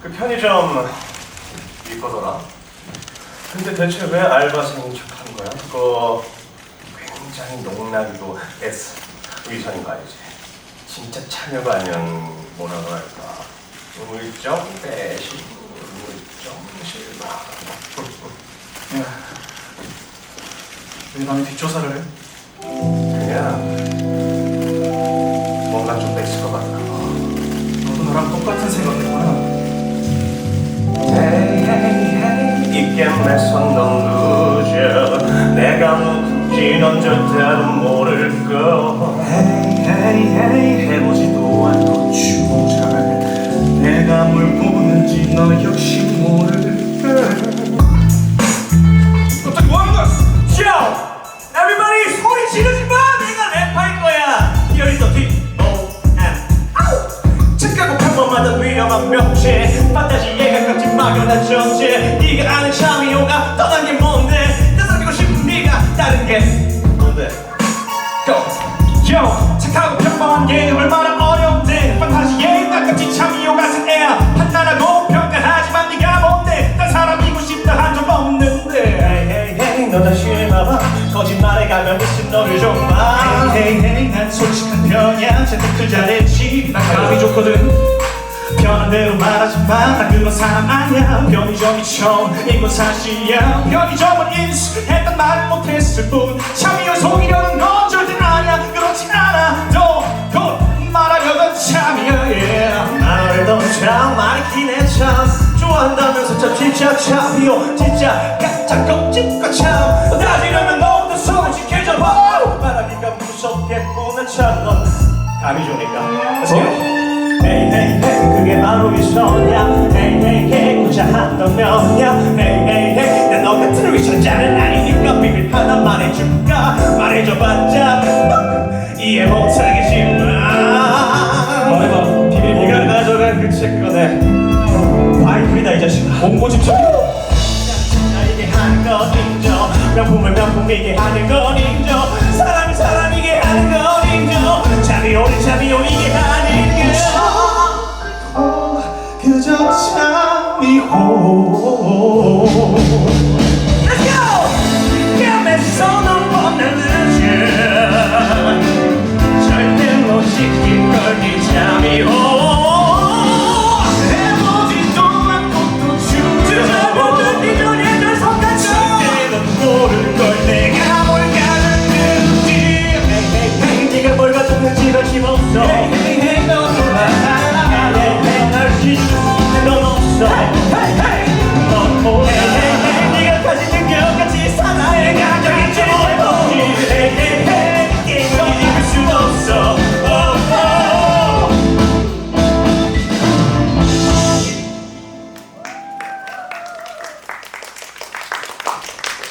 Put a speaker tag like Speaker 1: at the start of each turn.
Speaker 1: 그 편의점 이거더라. 근데 대체 왜 알바생인 척하는 거야? 그거 굉장히 농락이고 S 위선인 거 알지? 진짜 참여가 아니면 뭐라고 할까? 우물정 배신, 우물정 실망.
Speaker 2: 야, 왜 남의 뒷조사를 해?
Speaker 1: 그냥 뭔가 좀 뺏을 것 같아.
Speaker 2: 너도 나랑 똑같은 생각이구나.
Speaker 1: 이게 매선 넌 루저. 내가 누군지 넌 절대로 모를 거.
Speaker 2: 해보지도 않고 주잘. 내가 뭘 보는지 너 역시 모를 걸.
Speaker 1: 갑자기 뭐하는 거야? Yo! Everybody 소리 지르지 마! 내가 랩할 거야! Here is the D.O.M. 아우! 착하고 평범하던 위험한 명체 판타지에 가깝지 막연한 존재. 네가 아는 참이오가 떠난 게 뭔데? 나 사귀고 싶은 네가 다른 게 뭔데? Go!
Speaker 2: Yo, 착하고 평범한 게 얼마나 어려운데. 판타지에 가깝지 참이오 같은 애야. 판단하고 평가하지만 네가 뭔데. 난 사람이고 싶다 한 적 없는데.
Speaker 1: Hey, 너 다시 해봐봐. 거짓말에 가면 미친 너를 좀 봐.
Speaker 2: 난 솔직한 편이야. 재테크 잘했지. 난 가족이 좋거든. 편한 대로 말하지 마. 나 그런 사람 아니야. 편의점이 처음인 건 사실이야. 편의점은 인수했단 말을 못했을 뿐. 참이를 속이려는 건 절대 아니야. 그렇지 않아. 너 말하려던 참이야. Yeah.
Speaker 1: 말을 너무 참 많긴 해 참. 좋아한다면서 참 진짜 참이요. 진짜 가짜 껍질과 참. 따지려면 너부터 솔직해져 봐. 말하기가 무섭겠구나 참. 넌 감이 좋으니까. Hey hey hey 그게 바로 미소냐. Hey hey hey 고자 한던 면이야. Hey hey hey 난 너 같은 위선자는 아니니까 비밀 하나 말해줄까. 말해줘봤자 이해 못하겠지만
Speaker 2: 말해봐. 비밀
Speaker 1: 네가
Speaker 2: 뭐야?
Speaker 1: 가져간 그 채권에 와이프이다 이 자식아.
Speaker 2: 공고 집착.
Speaker 1: 이게 하는 건 인정. 명품을 명품이게 하는 건 인정. 사람이 사람이게 하는 건 인정. 참이오리 참이오리게 하는 건
Speaker 2: 그저 참이호.
Speaker 1: Let's go! 뺨에서 넌 뻔한 늦은 절대로 시킨 걸네 참이오.
Speaker 2: 해보지도 않고 또
Speaker 1: 주저없는 네 눈에 널 속았죠.
Speaker 2: 절대 넌 모를 걸 내가 뭘 가졌는지.
Speaker 1: 네가 뭘 가졌는지 넌 힘없어.
Speaker 2: 넌 몰라.
Speaker 1: 날 지키는 넌 없어. 넌 몰라. 네가 가진 능력같이 살아야 가정인지 모르지. 넌 이길 수 없어.